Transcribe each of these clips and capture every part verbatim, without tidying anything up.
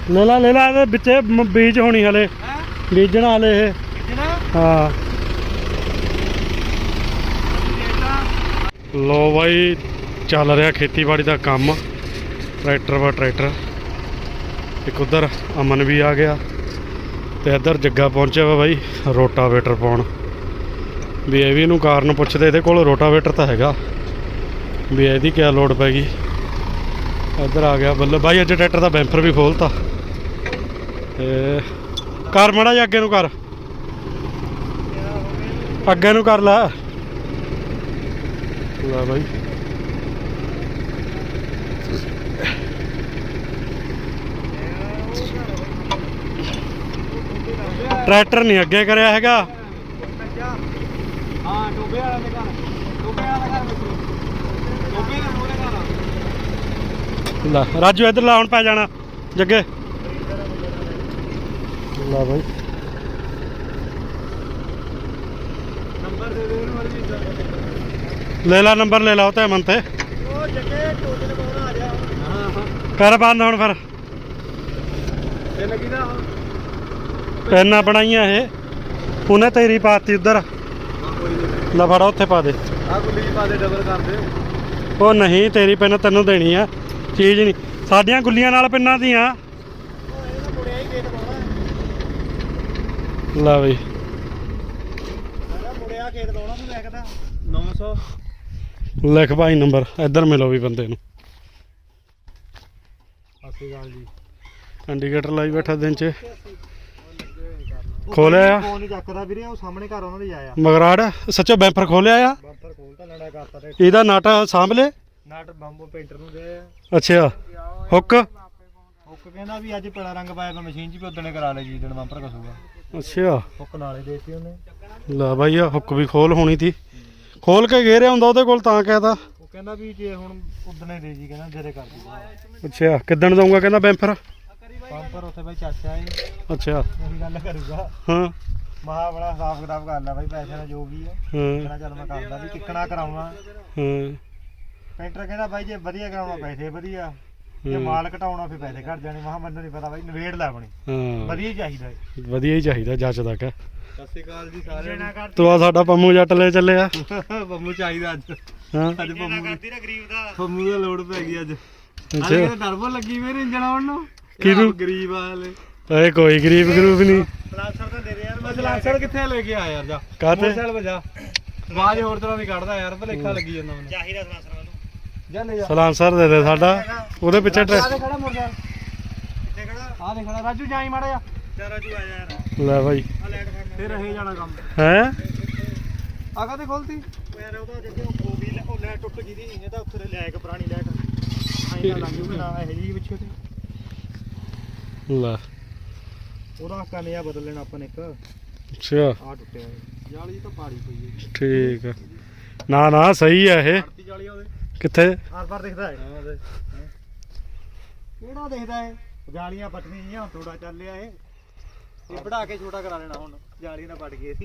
ਲੈ ਲਾ ਲੈ ਲਾ ਇਹਦੇ ਵਿੱਚੇ ਬੀਜ ਹੋਣੀ ਹਲੇ ਬੀਜਣਾ ਹਲੇ ਇਹ ਹਾਂ। ਲੋ ਬਾਈ ਚੱਲ ਰਿਹਾ ਖੇਤੀਬਾੜੀ ਦਾ ਕੰਮ ਟਰੈਕਟਰ ਵਾ ਟਰੈਕਟਰ। ਇੱਕ ਉਧਰ ਅਮਨ ਵੀ ਆ ਗਿਆ ਤੇ ਇੱਧਰ ਜੱਗਾ ਪਹੁੰਚਿਆ ਵਾ ਬਾਈ ਰੋਟਾਵੇਟਰ ਪਾਉਣ। ਵੀ ਇਹ ਵੀ ਇਹਨੂੰ ਕਾਰਨ ਪੁੱਛਦੇ ਇਹਦੇ ਕੋਲ ਰੋਟਾਵੇਟਰ ਤਾਂ ਹੈਗਾ ਵੀ ਇਹਦੀ ਕਿਆ ਲੋੜ ਪੈ ਗਈ। ਇੱਧਰ ਆ ਗਿਆ ਬੱਲੇ ਬਾਈ ਅੱਜ ਟਰੈਕਟਰ ਦਾ ਬੈਂਪਰ ਵੀ ਖੋਲ੍ਹਤਾ ਤੇ ਕਰ ਮਾੜਾ ਜਿਹਾ ਅੱਗੇ ਨੂੰ ਕਰ ਅੱਗੇ ਨੂੰ ਕਰ ਲੈ ਲੈ ਬਾਈ। ਟਰੈਕਟਰ ਨਹੀਂ ਅੱਗੇ ਕਰਿਆ ਹੈਗਾ। ਹਾਂ ਟੋਬੇ ਵਾਲਾ ਦੇ ਘਰ ਟੋਬੇ ਵਾਲਾ ਘਰ ਟੋਬੇ ਦਾ ਮੋਰੇ ਘਰ। ਲੈ ਰਾਜੂ ਇੱਧਰ ਲਾ ਹੁਣ ਪੈ ਜਾਣਾ ਜੱਗੇ ਲਾ ਬਾਈ। ਨੰਬਰ ਦੇ ਦੇ ਉਹਨੂੰ ਮਰਜੀ ਲੈ ਲਾ ਨੰਬਰ ਲੈ ਲਾ ਉਹ ਤੇ ਅਮਨ ਤੇ ਉਹ ਜੱਗੇ ਟੋਬੇ ਦੇ ਕੋਲ ਆ ਜਾ। ਹਾਂ ਹਾਂ ਕਰ ਬੰਦ ਹੁਣ ਫਿਰ ਤੇ ਲੱਗੀ ਨਾ ਪੈਨਾਂ ਬਣਾਈਆਂ ਇਹ ਉਹਨੇ ਤੇਰੀ ਪਾਤੀ ਉੱਧਰ ਲੈ ਫੜਾ ਉੱਥੇ ਪਾ ਦੇ। ਆ ਗੁੱਲੀ ਚ ਪਾ ਦੇ ਡਬਲ ਕਰ ਦੇ। ਉਹ ਨਹੀਂ ਤੇਰੀ ਪੈਨ ਤੈਨੂੰ ਦੇਣੀ ਆ ਚੀਜ਼ ਨਹੀਂ ਸਾਡੀਆਂ ਗੁੱਲੀਆਂ ਨਾਲ ਪਿੰਨਾਂ ਦੀਆਂ। ਲੈ ਬਈ ਮੁੜਿਆ ਖੇਤ ਪਾਉਣਾ ਤੂੰ ਲਿਖਦਾ ਨੌ ਸੌ ਲਿਖ ਭਾਈ ਨੰਬਰ ਇੱਧਰ ਮਿਲੋ ਵੀ ਬੰਦੇ ਨੂੰ। ਸਤਿ ਸ਼੍ਰੀ ਅਕਾਲ ਜੀ। ਇੰਡੀਕੇਟਰ ਲਾਈ ਬੈਠਾ ਦਿਨ ਚ ਖੋਲਿਆ ਆ ਫੋਨ ਨਹੀਂ ਚੱਕਦਾ ਵੀਰੇ ਉਹ ਸਾਹਮਣੇ ਘਰ ਉਹਨਾਂ ਦੇ ਆਇਆ ਮਗਰਾੜ ਸੱਚੋ ਬੈਂਪਰ ਖੋਲਿਆ ਆ ਬੰਪਰ ਖੋਲਤਾ ਲੜਾ ਕਰਤਾ ਤੇ ਇਹਦਾ ਨਟ ਸਾਂਭ ਲੈ ਨਟ ਬੰਬੋ ਪੇਂਟਰ ਨੂੰ ਦੇ ਅੱਛਾ ਹੁੱਕ ਹੁੱਕ ਕਹਿੰਦਾ ਵੀ ਅੱਜ ਪੜਾ ਰੰਗ ਪਾਇਆ ਮੈਂ ਮਸ਼ੀਨ 'ਚ ਵੀ ਉਦਣੇ ਕਰਾ ਲੈ ਜੀ ਦਿਨ ਬੰਪਰ ਕਸੂਗਾ। ਅੱਛਾ ਹੁੱਕ ਨਾਲੇ ਦੇਤੀ ਉਹਨੇ। ਲੈ ਬਾਈ ਆ ਹੁੱਕ ਵੀ ਖੋਲ ਹੋਣੀ ਤੀ ਖੋਲ ਕੇ ਘੇਰਿਆ ਹੁੰਦਾ ਉਹਦੇ ਕੋਲ ਤਾਂ ਕਹਿਦਾ। ਉਹ ਕਹਿੰਦਾ ਵੀ ਜੇ ਹੁਣ ਉਦਣੇ ਦੇ ਜੀ ਕਹਿੰਦਾ ਜਦੇ ਕਰ ਦੂਗਾ। ਅੱਛਾ ਕਿੱਦਣ ਦਊਂਗਾ ਕਹਿੰਦਾ ਬੈਂਪਰ ਬੰਪਰ ਉੱਥੇ ਬਾਈ ਚਾਚਾ ਏ ਅੱਛਾ ਉਹੀ ਗੱਲ ਕਰੂਗਾ। ਹਾਂ ਮਹਾ ਬੜਾ ਹਿਸਾਬ ਕਿਤਾਬ ਕਰ ਲੈ ਬਾਈ ਪੈਸੇ ਦਾ ਜੋ ਵੀ ਹੈ। ਹਾਂ ਕਹਿੰਦਾ ਚੱਲ ਮੈਂ ਕਰਦਾ ਵੀ ਕਿੱਕਣਾ ਕਰਾਉਣਾ। ਹਾਂ ਪੇਂਟਰ ਕਹਿੰਦਾ ਬਾਈ ਜੇ ਵਧੀਆ ਕਰਾਉਣਾ ਪੈਸੇ ਵਧੀਆ ਜੇ ਮਾਲ ਘਟਾਉਣਾ ਫਿਰ ਪੈਸੇ ਘਟ ਜਾਣੇ। ਮਹਾ ਮੈਨੂੰ ਨਹੀਂ ਪਤਾ ਬਾਈ ਨਵੇੜ ਲੈ ਆਪਣੀ ਹਾਂ ਵਧੀਆ ਹੀ ਚਾਹੀਦਾ ਹੈ। ਵਧੀਆ ਹੀ ਚਾਹੀਦਾ ਜੱਚਦਾ ਕਿ ਸਤਿ ਸ਼੍ਰੀ ਅਕਾਲ ਜੀ ਸਾਰਿਆਂ ਨੂੰ। ਤੂੰ ਆ ਸਾਡਾ ਪੰਮੂ ਜੱਟ ਲੈ ਚੱਲਿਆ ਪੰਮੂ ਚਾਹੀਦਾ ਅੱਜ ਹਾਂ ਅੱਜ ਪੰਮੂ ਗਰੀਬ ਦਾ ਪੰਮੂ ਦਾ ਲੋਡ ਪੈ ਗਈ ਅੱਜ। ਅੱਛਾ ਅੱਜ ਟਰਬੋ ਲੱਗੀ ਮੇਰੇ ਇੰਜਣ ਆਉਣ ਨੂੰ ਕਿਹਨੂੰ ਗਰੀਬ ਵਾਲੇ ਓਏ ਕੋਈ ਗਰੀਬ ਗਰੂਪ ਨਹੀਂ। ਸਲਾਂਸਰ ਤਾਂ ਦੇ ਦੇ ਯਾਰ ਮੈਂ ਸਲਾਂਸਰ ਕਿੱਥੇ ਲੈ ਕੇ ਆ ਯਾਰ ਜਾ ਕਾਹਤੇ ਮੋਟਰਸਾਈਕਲ ਵਜਾ ਬਾਜ ਹੋਰ ਤਰ੍ਹਾਂ ਦੀ ਕੱਢਦਾ ਯਾਰ ਭਲੇਖਾ ਲੱਗੀ ਜਾਂਦਾ ਮੈਨੂੰ ਚਾਹੀਦਾ ਸਲਾਂਸਰ ਮੈਨੂੰ ਜਾ ਲੈ ਜਾ ਸਲਾਂਸਰ ਦੇ ਦੇ ਸਾਡਾ ਉਹਦੇ ਪਿੱਛੇ ਆ ਦੇ ਖੜਾ ਮੋਟਰਸਾਈਕਲ ਕਿੱਥੇ ਖੜਾ ਆ ਦੇ ਖੜਾ ਰਾਜੂ ਜਾਈ ਮਾੜਾ ਜਾ ਚਾ ਰਾਜੂ ਆ ਜਾ ਯਾਰ ਲੈ ਬਾਈ ਆ ਲੈਟ ਫੜ ਫੇਰ ਰਹੇ ਜਾਣਾ ਕੰਮ ਹੈ ਆ ਕਾਤੇ ਖੋਲਤੀ ਯਾਰ ਉਹਦਾ ਜਿੱਥੇ ਉਹ ਵੀ ਉਹ ਲੈ ਟੁੱਟ ਗਈ ਦੀ ਇਹ ਤਾਂ ਉੱਥੇ ਲੈ ਕੇ ਪੁਰਾਣੀ ਲੈਟ ਆਈ ਨਾ ਲੱਗ ਜੂਗੀ ਨਾ ਇਹ ਜੀ ਪਿੱਛੇ ਤੇ ਲੈ ਉਹਦਾ ਕਨਿਆ ਬਦਲ ਲੈਣਾ ਆਪਾਂ ਨੇ ਇੱਕ ਅੱਛਾ ਆ ਟੁੱਟਿਆ ਜਾਲੀ ਤਾਂ ਪਾੜੀ ਪਈ ਹੈ ਠੀਕ ਆ ਨਾ ਨਾ ਸਹੀ ਆ ਇਹ ਜਾਲੀ ਉਹਦੇ ਕਿੱਥੇ ਆਰ ਪਾਰ ਦਿਖਦਾ ਹੈ ਕਿਹੜਾ ਦਿਖਦਾ ਹੈ ਜਾਲੀਆਂ ਪਟਣੀਆਂ ਜੀਆਂ ਥੋੜਾ ਚੱਲਿਆ ਇਹ ਇਹ ਵੜਾ ਕੇ ਛੋਟਾ ਕਰਾ ਲੈਣਾ ਹੁਣ ਜਾਲੀ ਨਾਲ ਪਟ ਗਈ ਸੀ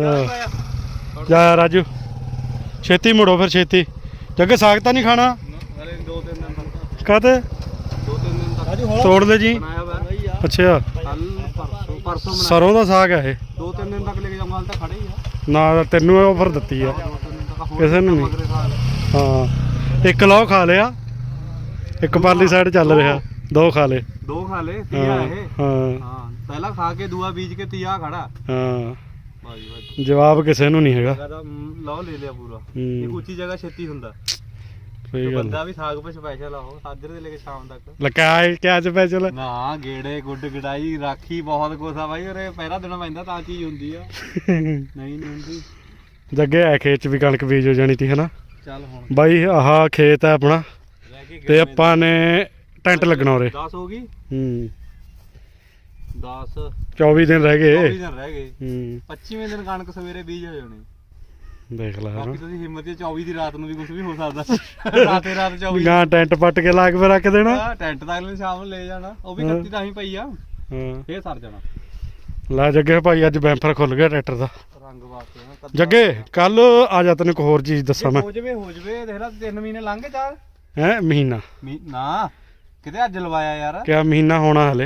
ਜਾ ਰਾਜੂ ਛੇਤੀ ਮੁੜੋ ਫਿਰ ਛੇਤੀ ਜੱਗੇ ਸਾਗ ਤਾਂ ਨਹੀਂ ਖਾਣਾ ਹਲੇ ਦੋ ਤਿੰਨ ਦਿਨ ਤੱਕ ਕਾਹਤੇ ਦੋ ਤਿੰਨ ਦਿਨ ਤੱਕ ਰਾਜੂ ਤੋੜ ਲੈ ਜੀ ਬਣਾਇਆ ਵਾ ਅੱਛਾ ਕੱਲ ਪਰਸੋਂ ਪਰਸੋਂ ਬਣਾ ਸਰੋਂ ਦਾ ਸਾਗ ਆ ਇਹ ਦੋ ਤਿੰਨ ਦਿਨ ਤੱਕ ਲੈ ਕੇ ਜਾਊਂਗਾ ਹਾਲ ਤਾਂ ਖੜੇ ਹੀ ਆ ਨਾ ਤੈਨੂੰ ਆਫਰ ਦਿੱਤੀ ਆ ਕਿਸੇ ਨੂੰ ਨਹੀਂ ਹਾਂ ਇੱਕ ਲਓ ਖਾ ਲਿਆ ਇੱਕ ਪਰਲੀ ਸਾਈਡ ਚੱਲ ਰਿਹਾ ਦੋ ਖਾ ਲੇ ਦੋ ਖਾ ਲੇ ਤੀਆ ਇਹ ਹਾਂ ਹਾਂ ਪਹਿਲਾਂ ਖਾ ਕੇ ਦੂਆ ਬੀਜ ਕੇ ਤੀਆ ਖੜਾ ਹਾਂ ਬਾਜੀ ਬਾਜੀ ਜਵਾਬ ਕਿਸੇ ਨੂੰ ਨਹੀਂ ਹੈਗਾ ਲਓ ਲੈ ਲਿਆ ਪੂਰਾ ਇਹ ਉੱਚੀ ਜਗ੍ਹਾ ਛੇਤੀ ਹੁੰਦਾ ਸਹੀ ਗੱਲ ਬੰਦਾ ਵੀ ਸਾਗ ਪੇ ਸਪੈਸ਼ਲ ਆ ਉਹ ਸਾਜਰੇ ਦੇ ਲੈ ਕੇ ਸ਼ਾਮ ਤੱਕ ਲਕਾਇ ਕਿਆ ਸਪੈਸ਼ਲ ਨਾ ਗੇੜੇ ਗੁੱਡ ਗੜਾਈ ਰਾਖੀ ਬਹੁਤ ਕੁਛ ਆ ਬਾਈ ਉਰੇ ਪਹਿਰਾ ਦਿਨ ਪੈਂਦਾ ਤਾਂ ਚੀਜ਼ ਹੁੰਦੀ ਆ ਨਹੀਂ ਨਹੀਂ ਹੁੰਦੀ ਜੱਗੇ ਆ ਖੇਤ ਚ ਵੀ ਕਣਕ ਬੀਜ ਹੋ ਜਾਣੀ ਤੀ ਹਨਾ ਚੱਲ ਹੁਣ ਬਾਈ ਆਹ ਖੇਤ ਹੈ ਆਪਣਾ ਤੇ ਆਪਾਂ ਨੇ ਟੈਂਟ ਲੱਗਣਾ ਉਰੇ ਦਸ ਹੋ ਗਈ ਹੂੰ ਦਸ ਚੌਵੀ ਦਿਨ ਰਹਿ ਗਏ ਚੌਵੀ ਦਿਨ ਰਹਿ ਗਏ ਹੂੰ ਪੱਚੀਵੇਂ ਦਿਨ ਕਣਕ ਸਵੇਰੇ ਬੀਜ ਹੋ ਜਾਣੀ ਦੇਖ ਲੈ ਬਾਕੀ ਤੁਸੀਂ ਹਿੰਮਤ ਤੇ ਚੌਵੀ ਦੀ ਰਾਤ ਨੂੰ ਵੀ ਕੁਝ ਵੀ ਹੋ ਸਕਦਾ ਰਾਤੇ ਰਾਤ ਚੌਵੀ ਗਾਂ ਟੈਂਟ ਪੱਟ ਕੇ ਲਾ ਕੇ ਰੱਖ ਦੇਣਾ ਟੈਂਟ ਤਾਂ ਅਗਲੇ ਸ਼ਾਮ ਨੂੰ ਲੈ ਜਾਣਾ ਉਹ ਵੀ ਕੱਤੀ ਤਾਂ ਹੀ ਪਈ ਆ ਹਾਂ ਫੇਰ ਸਰ ਜਾਣਾ ਲੈ ਜੱਗੇ ਭਾਈ ਅੱਜ ਬੈਂਪਰ ਖੁੱਲ ਗਿਆ ਟਰੈਕਟਰ ਦਾ ਰੰਗ ਵਾਸਤੇ ਜੱਗੇ ਕੱਲ ਆ ਜਾ ਤੈਨੂੰ ਇੱਕ ਹੋਰ ਚੀਜ਼ ਦੱਸਾਂ ਮੈਂ ਹੋ ਜਵੇ ਹੋ ਜਵੇ ਦੇਖ ਲੈ ਤਿੰਨ ਮਹੀਨੇ ਲੰਘ ਗਏ ਚਾਰ ਹੈ ਮਹੀਨਾ ਨਾ ਕਿਤੇ ਅੱਜ ਲਵਾਇਆ ਯਾਰ ਕਿਆ ਮਹੀਨਾ ਹੋਣਾ ਹਲੇ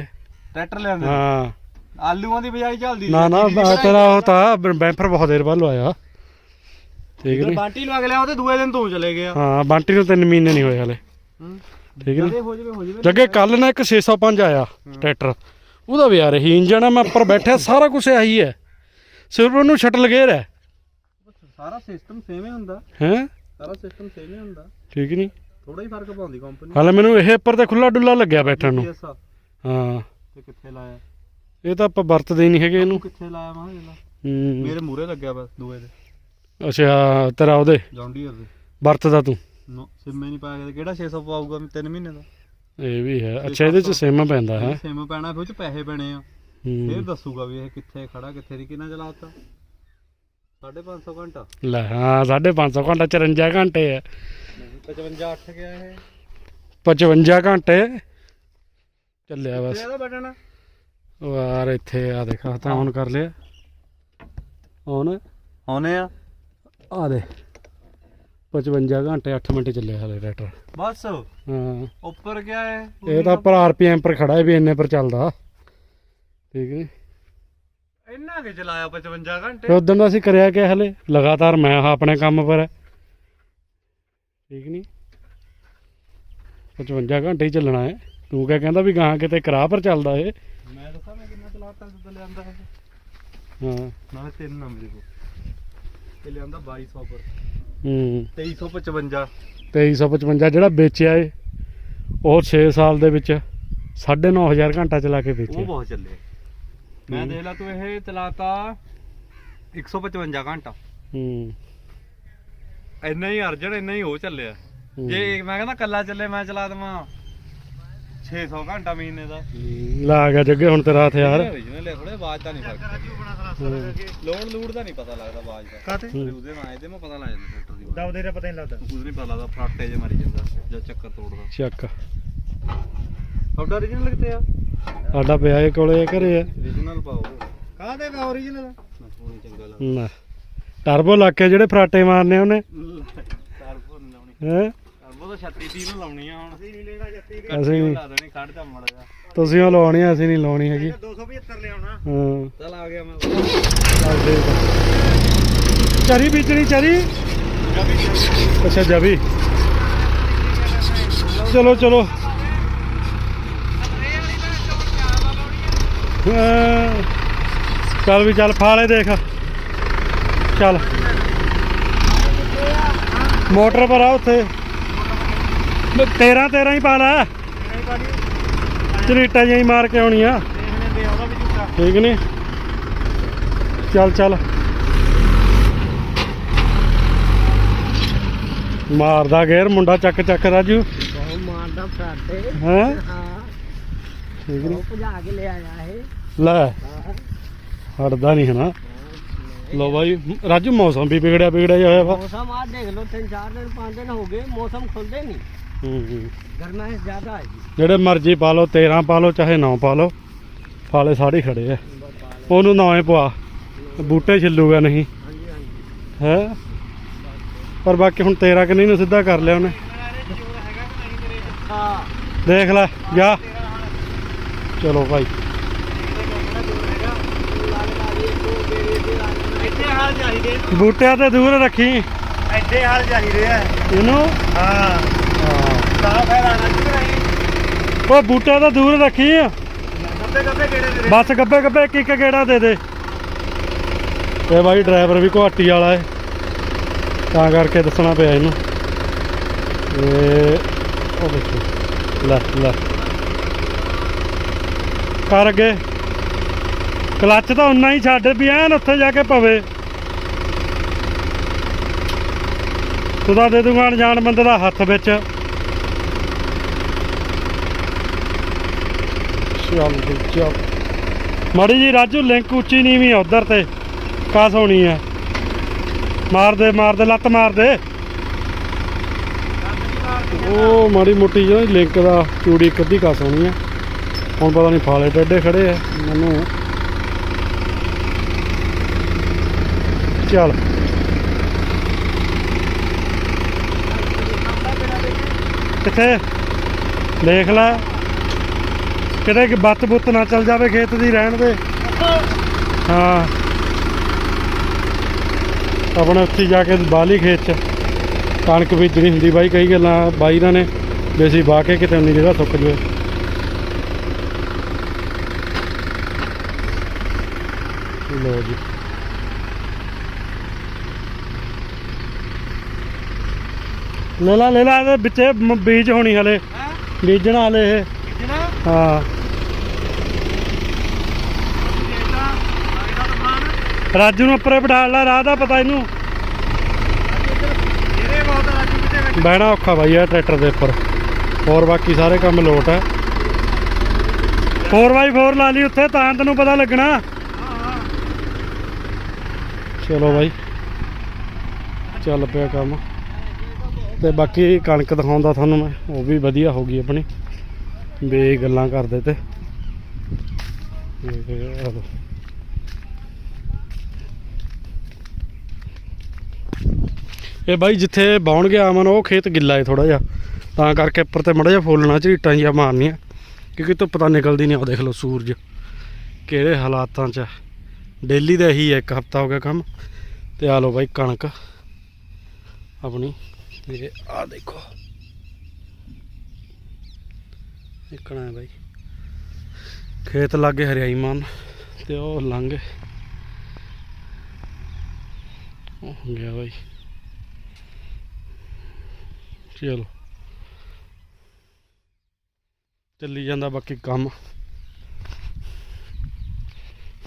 ਟਰੈਕਟਰ ਲਿਆਂਦੇ ਹਾਂ ਆਲੂਆਂ ਦੀ ਬਜਾਈ ਚੱਲਦੀ ਨਾ ਨਾ ਤੇਰਾ ਉਹ ਤਾਂ ਬੈਂਫਰ ਬਹੁਤ ਦੇਰ ਬਾਅਦ ਲਵਾਇਆ ਠੀਕ ਨਹੀਂ ਬਾਂਟੀ ਲਵਾ ਕੇ ਲਿਆ ਉਹਦੇ ਦੂਏ ਦਿਨ ਤੂੰ ਚਲੇ ਗਿਆ ਹਾਂ ਬਾਂਟੀ ਨੂੰ ਤਿੰਨ ਮਹੀਨੇ ਨਹੀਂ ਹੋਏ ਹਲੇ ਠੀਕ ਹੈ ਜਦੇ ਹੋ ਜਵੇ ਹੋ ਜਵੇ ਜੱਗੇ ਕੱਲ ਨਾ ਇੱਕ ਛੇ ਸੌ ਪੰਜ ਆਇਆ ਟਰੈਕਟਰ ਉਹਦਾ ਵੀ ਯਾਰ ਇਹੀ ਇੰਜਣ ਆ ਮੈਂ ਉੱਪਰ ਬੈਠਿਆ ਸਾਰਾ ਕੁਝ ਆਹੀ ਹੈ ਸਿਰਫ ਉਹਨੂੰ ਸ਼ਟਲ ਗੇਅਰ ਹੈ ਸਾਰਾ ਸਿਸਟਮ ਸੇਮ ਹੀ ਹੁੰਦਾ ਹੈ ਸਾਰਾ ਸਿਸਟਮ ਸੇਮ ਹੀ ਹੁੰਦਾ ਠੀਕ ਨਹੀਂ ਥੋੜਾ ਹੀ ਫਰਕ ਪਾਉਂਦੀ ਕੰਪਨੀ ਹਾਲੇ ਮੈਨੂੰ ਇਹ ਉੱਪਰ ਤੇ ਖੁੱਲਾ ਡੁੱਲਾ ਲੱਗਿਆ ਬੈਠਣ ਨੂੰ ਐਸਾ ਹਾਂ ਤੇ ਕਿੱਥੇ ਲਾਇਆ ਇਹ ਤਾਂ ਆਪਾਂ ਵਰਤਦੇ ਹੀ ਨਹੀਂ ਹੈਗੇ ਇਹਨੂੰ ਕਿੱਥੇ ਲਾਇਆ ਮੈਂ ਇਹਦਾ ਹੂੰ ਮੇਰੇ ਮੂਹਰੇ ਲੱਗਿਆ ਬਸ ਦੂਏ ਦੇ ਅੱਛਾ ਤੇਰਾ ਉਹਦੇ ਜੌਂਡੀਅਰ ਦੇ ਵਰਤਦਾ ਤੂੰ ਨੋ ਸਿਮ ਹੀ ਨਹੀਂ ਪਾਇਆ ਗਿਆ ਕਿਹੜਾ ਛੇ ਸੌ ਪਾਊਗਾ ਤਿੰਨ ਮਹੀਨੇ ਦਾ ਇਹ ਵੀ ਹੈ ਅੱਛਾ ਇਹਦੇ ਚ ਸਿਮ ਪੈਂਦਾ ਹੈ ਸਿਮ ਪੈਣਾ ਫਿਰ ਉਹ ਚ ਪੈਸੇ ਪੈਣੇ ਆ ਫਿਰ ਦੱਸੂਗਾ ਵੀ ਇਹ ਕਿੱਥੇ ਖੜਾ ਕਿੱਥੇ ਦੀ ਕਿੰਨਾ ਚਲਾਤਾ ਸਾਢੇ ਪੰਜ ਸੌ ਘੰਟਾ ਲੈ ਹਾਂ ਸਾਢੇ ਪੰਜ ਸੌ ਘੰਟਾ ਚੁਰੰਜਾ ਘੰਟੇ ਹੈ ਪਚਵੰਜਾ ਅੱਠ ਗਿਆ ਇਹ ਪਚਵੰਜਾ ਘੰਟੇ ਚੱਲਿਆ ਬਸ ਇਹਦਾ ਬਟਨ ਉਹ ਯਾਰ ਇੱਥੇ ਆ ਦੇਖਾ ਤਾਂ ਹੁਣ ਕਰ ਲਿਆ ਹੁਣ ਆਉਨੇ ਆ ਆ ਦੇ ਪਚਵੰਜਾ ਘੰਟੇ ਅੱਠ ਮਿੰਟ ਚੱਲਿਆ ਹਲੇ ਟਰੈਕਟਰ ਬਸ ਹਾਂ ਉੱਪਰ ਗਿਆ ਹੈ ਇਹ ਤਾਂ ਪਰ ਆਰਪੀਐਮ ਪਰ ਖੜਾ ਹੈ ਵੀ ਇੰਨੇ ਪਰ ਚੱਲਦਾ ਠੀਕ ਹੈ ਇੰਨਾ ਕਿ ਚਲਾਇਆ ਪਚਵੰਜਾ ਘੰਟੇ ਤੇ ਉਦੋਂ ਦਾ ਅਸੀਂ ਕਰਿਆ ਕਿ ਹਲੇ ਲਗਾਤਾਰ ਮੈਂ ਆਪਣੇ ਕੰਮ ਪਰ ਹੈ ਠੀਕ ਨਹੀਂ ਪਚਵੰਜਾ ਘੰਟੇ ਹੀ ਚੱਲਣਾ ਹੈ ਤੂੰ ਕਿਆ ਕਹਿੰਦਾ ਵੀ ਗਾਂ ਕਿਤੇ ਕਰਾ ਪਰ ਚੱਲਦਾ ਇਹ ਮੈਂ ਦੱਸਾਂ ਮੈਂ ਕਿੰਨਾ ਚਲਾਤਾ ਜਦੋਂ ਲਿਆਂਦਾ ਹੈ ਹਾਂ ਨਾਲੇ ਤਿੰਨ ਨਾ ਮੇਰੇ ਕੋਲ ਤੇ ਲਿਆਂਦਾ ਬਾਈ ਸੌ ਪਰ ਹੂੰ ਤੇਈ ਸੌ ਪਚਵੰਜਾ ਤੇਈ ਸੌ ਪਚਵੰਜਾ ਜਿਹੜਾ ਵੇਚਿਆ ਏ ਉਹ ਛੇ ਸਾਲ ਦੇ ਵਿੱਚ ਸਾਢੇ ਨੌ ਹਜ਼ਾਰ ਘੰਟਾ ਚਲਾ ਕੇ ਉਹ ਵੇਚਿਆ ਬਹੁਤ ਚੱਲੇ ਮੈਂ ਦੇਖ ਲਾ ਤੂੰ ਇਹ ਚਲਾਤਾ ਇੱਕ ਸੌ ਪਚਵੰਜਾ ਘੰਟਾ ਹੂੰ ਇੰਨਾ ਹੀ ਅਰਜਨ ਇੰਨਾ ਹੀ ਉਹ ਚੱਲਿਆ ਜੇ ਮੈਂ ਕਹਿੰਦਾ ਕੱਲਾ ਚੱਲੇ ਮੈਂ ਚਲਾ ਦਵਾਂ ਛੇ ਸੌ ਘੰਟਾ ਮਹੀਨੇ ਦਾ ਲਾ ਗਿਆ ਜੱਗੇ ਹੁਣ ਤੇਰਾ ਹਥਿਆਰ ਓਰੀਜਨਲ ਹੈ ਥੋੜੇ ਆਵਾਜ਼ ਦਾ ਨਹੀਂ ਫਰਕ ਲੋਡ ਲੂੜ ਦਾ ਨਹੀਂ ਪਤਾ ਲੱਗਦਾ ਆਵਾਜ਼ ਦਾ ਕਾਤੇ ਉਹਦੇ ਨਾਲ ਇਹਦੇ ਮੈਂ ਪਤਾ ਲੱਗ ਜਾਂਦਾ ਟਰੈਕਟਰ ਦੀ ਦਬਦੇ ਦਾ ਪਤਾ ਨਹੀਂ ਲੱਗਦਾ ਕੁਝ ਨਹੀਂ ਪਤਾ ਲੱਗਦਾ ਫਰਾਟੇ ਜੇ ਮਾਰੀ ਜਾਂਦਾ ਜਾਂ ਚੱਕਰ ਤੋੜਦਾ ਚੱਕ ਤੁਹਾਡਾ ਓਰੀਜਨਲ ਕਿੱਥੇ ਆ ਸਾਡਾ ਪਿਆ ਇਹ ਕੋਲੇ ਘਰੇ ਆ ਓਰੀਜਨਲ ਪਾਓ ਕਾਹਦੇ ਵਾ ਓਰੀਜਨਲ ਸੋਹਣੀ ਚੰਗਾ ਲੱਗਦਾ ਨਾ ਟਰਬੋ ਲਾ ਕੇ ਜਿਹੜੇ ਫਰਾਟੇ ਮਾਰਨੇ ਉਹਨੇ ਟਰਬੋ ਨਹੀਂ ਲਾਉਣੀ ਹੈ ਟਰਬੋ ਤਾਂ ਛੱਤੀ ਤੀਹ ਨੂੰ ਲਾਉਣੀ ਆ ਹੁਣ ਅਸੀਂ ਨਹੀਂ ਲੈਣਾ ਜੱਤੀ ਅਸੀਂ ਲਾ ਦੇਣੀ ਕੱਢ ਜਾ ਮੜ ਜਾ ਤੁਸੀਂ ਉਹ ਲਾਉਣੀ ਆ ਅਸੀਂ ਨਹੀਂ ਲਾਉਣੀ ਹੈਗੀ ਦੋ ਸੌ ਪਚੱਤਰ ਲਿਆਉਣਾ ਹਾਂ ਚੱਲ ਆ ਗਿਆ ਮੈਂ ਚੱਲ ਠੀਕ ਆ। ਚਰੀ ਬੀਜਣੀ ਚਰੀ ਅੱਛਾ ਜਬੀ ਚਲੋ ਚਲੋ ਹਾਂ। ਚੱਲ ਵੀ ਚੱਲ ਫਾਲੇ ਦੇਖ ਚੱਲ ਮੋਟਰ ਪਰ ਆ ਉੱਥੇ ਤੇਰਾਂ ਤੇਰਾਂ ਹੀ ਪਾ ਲੈ ਝਰੀਟਾਂ ਜਿਹੀਆਂ ਹੀ ਮਾਰ ਕੇ ਆਉਣੀ ਆ ਦੇਖਣੇ ਦੇ ਉਹਦਾ ਵੀ ਝੂਟਾ ਠੀਕ ਨੀ ਚੱਲ ਚੱਲ ਮਾਰਦਾ ਗੇਰ ਮੁੰਡਾ ਚੱਕ ਚੱਕ ਰਾਜੂ ਬਹੁਤ ਮਾਰਦਾ ਫਰਾਟੇ ਹੈ ਹਾਂ ਠੀਕ ਨੀ ਭਜਾ ਕੇ ਲੈ ਆਇਆ ਇਹ ਲੈ ਹਟਦਾ ਨਹੀਂ ਹੈ ਨਾ ਲੋ ਬਾਈ ਰਾਜੂ ਮੌਸਮ ਵੀ ਵਿਗੜਿਆ ਵਿਗੜਿਆ ਜਿਹਾ ਹੋਇਆ ਵਾ ਮੌਸਮ ਆ ਦੇਖ ਲਓ ਤਿੰਨ ਚਾਰ ਦਿਨ ਪੰਜ ਦਿਨ ਹੋ ਗਏ ਮੌਸਮ ਖੁੱਲਦੇ ਨਹੀਂ ਹੂੰ ਹੂੰ ਗਰਮਾਇਸ਼ ਜ਼ਿਆਦਾ ਹੈ ਜੀ ਜਿਹੜੇ ਮਰਜ਼ੀ ਪਾ ਲਓ ਤੇਰਾਂ ਪਾ ਲਓ ਚਾਹੇ ਨੌ ਪਾ ਲਓ ਫਾਲੇ ਸਾਰੇ ਖੜੇ ਆ ਉਹਨੂੰ ਨੌਵੇਂ ਪਵਾ ਬੂਟੇ ਛਿੱਲੂਗਾ ਨਹੀਂ ਹਾਂਜੀ ਹਾਂਜੀ ਹੈ ਪਰ ਬਾਕੀ ਹੁਣ ਤੇਰਾ ਕਿ ਨਹੀਂ ਨੂੰ ਸਿੱਧਾ ਕਰ ਲਿਆ ਉਹਨੇ ਹਾਂ ਦੇਖ ਲੈ ਜਾ ਚਲੋ ਭਾਈ ਇੱਥੇ ਹਾਲ ਚਾਹੀਦੇ ਬੂਟਿਆਂ ਤੇ ਦੂਰ ਰੱਖੀ ਐਡੇ ਹਾਲ ਚਾਹੀਦੇ ਆ ਇਹਨੂੰ ਹਾਂ ਹਾਂ ਸਾਫ ਫਾਇਦਾ ਨਾ ਕਰਾਈ ਉਹ ਬੂਟਿਆਂ ਤੋਂ ਦੂਰ ਰੱਖੀ ਗੱਬੇ ਗੱਬੇ ਕਿਹੜੇ ਦੇ ਬਸ ਗੱਬੇ ਗੱਬੇ ਇੱਕ ਇੱਕ ਗੇੜਾ ਦੇ ਦੇ ਇਹ ਬਾਈ ਡਰਾਈਵਰ ਵੀ ਘਾਟੀ ਵਾਲਾ ਹੈ ਤਾਂ ਕਰਕੇ ਦੱਸਣਾ ਪਿਆ ਇਹਨੂੰ ਇਹ ਉਹ ਦੇਖੋ ਲੈ ਲੈ ਕਰ ਅੱਗੇ ਕਲੱਚ ਤਾਂ ਉਨਾ ਹੀ ਛੱਡ ਵੀ ਐਨ ਉੱਥੇ ਜਾ ਕੇ ਪਵੇ ਤੂੰ ਤਾਂ ਦੇ ਦੂੰਗਾ ਅਣਜਾਣ ਬੰਦੇ ਦਾ ਹੱਥ ਵਿੱਚ ਚੱਲ ਜੀ, ਚੱਲ ਮਾੜੀ ਜੀ ਰਾਜੂ ਲਿੰਕ ਉੱਚੀ ਨੀਵੀਂ ਆ ਉਧਰ ਤੇ ਕਾਸ ਹੋਣੀ ਆ ਮਾਰ ਦੇ ਮਾਰ ਦੇ ਲੱਤ ਮਾਰ ਦੇ ਉਹ ਮਾੜੀ ਮੋਟੀ ਜਿਹੀ ਲਿੰਕ ਦਾ ਚੂੜੀ ਇੱਕ ਅੱਧੀ ਕਾਸ ਹੋਣੀ ਆ ਹੁਣ ਪਤਾ ਨਹੀਂ ਫਾਲੇ ਟੇਡੇ ਖੜੇ ਆ ਮੈਨੂੰ ਚੱਲ ਕਿੱਥੇ ਦੇਖ ਲੈ ਕਿਤੇ ਕਿ ਬੱਤ ਬੁੱਤ ਨਾ ਚੱਲ ਜਾਵੇ ਖੇਤ ਦੀ ਰਹਿਣ ਦੇ। ਹਾਂ ਆਪਣੇ ਉੱਥੇ ਜਾ ਕੇ ਬਾਹਲੀ ਖੇਤ 'ਚ ਕਣਕ ਬੀਜਣੀ ਹੁੰਦੀ ਬਾਈ। ਕਈ ਗੱਲਾਂ ਬਾਈ ਨਾਲ ਨੇ ਵੀ ਅਸੀਂ ਵਾਹ ਕੇ ਕਿਤੇ ਉਨੀ ਜਗ੍ਹਾ ਸੁੱਕ ਜਾਵੇ। ਲਓ ਜੀ ਲੈ ਲਾ ਲੈ ਲਾ ਇਹਦੇ ਵਿੱਚੇ ਮ- ਬੀਜ ਹੋਣੀ ਹਲੇ ਹੈ ਬੀਜਣਾ ਹਲੇ ਇਹ। ਕਿਹਨਾਂ ਹਾਂ ਦੇਖਦਾ ਆਇਦਾ ਤਮਾਨ ਰਾਜੂ ਨੂੰ ਉੱਪਰੇ ਬਿਠਾ ਲਾ, ਰਾਹ ਦਾ ਪਤਾ ਇਹਨੂੰ। ਜਿਹੜੇ ਬਹੁਤ ਰਾਜੂ ਕਿਤੇ ਵਿੱਚ ਬਹਿਣਾ ਔਖਾ ਬਾਈ ਆ ਟਰੈਕਟਰ ਦੇ ਉੱਪਰ। ਹੋਰ ਬਾਕੀ ਸਾਰੇ ਕੰਮ ਲੋਟ ਹੈ। ਫੋਰ ਬਾਈ ਫੋਰ ਲਾ ਲਈ ਉੱਥੇ ਤਾਂ ਤੈਨੂੰ ਪਤਾ ਲੱਗਣਾ। ਹਾਂ ਹਾਂ ਚਲੋ ਬਾਈ ਚੱਲ ਪਿਆ ਕੰਮ। ਤੇ ਬਾਕੀ ਕਣਕ ਦਿਖਾਉਂਦਾ ਤੁਹਾਨੂੰ ਮੈਂ, ਉਹ ਵੀ ਵਧੀਆ ਹੋ ਗਈ ਆਪਣੀ। ਬੇ ਗੱਲਾਂ ਕਰਦੇ ਤੇ ਇਹ ਬਾਈ ਜਿੱਥੇ ਬਾਉਣ ਗਿਆ ਅਮਨ ਉਹ ਖੇਤ ਗਿੱਲਾ ਹੈ ਥੋੜਾ ਜਿਹਾ, ਤਾਂ ਕਰਕੇ ਉੱਪਰ ਤੇ ਮੜਾ ਜਿਹਾ ਫੋਲਣਾ ਝਰੀਟਾਂ ਜਿਹਾ ਮਾਰਨੀਆਂ ਕਿਉਂਕਿ ਧੁੱਪ ਤਾਂ ਨਿਕਲਦੀ ਨਹੀਂ। ਉਹ ਦੇਖ ਲਓ ਸੂਰਜ ਕਿਹੜੇ ਹਾਲਾਤਾਂ 'ਚ। ਡੇਲੀ ਦਾ ਇਹੀ ਹੈ, ਇੱਕ ਹਫਤਾ ਹੋ ਗਿਆ ਕੰਮ। ਤੇ ਆ ਲਓ ਬਾਈ ਕਣਕ ਆਪਣੀ। ਤੇ ਆ ਦੇਖੋ ਨਿਕਣਾ ਹੈ ਬਾਈ ਖੇਤ ਲਾਗੇ ਹਰਿਆਈ ਮਾਨ ਤੇ ਉਹ ਲੰਘ ਉਹ ਹੋ ਗਿਆ ਬਾਈ। ਚਲੋ ਚੱਲੀ ਜਾਂਦਾ ਬਾਕੀ ਕੰਮ।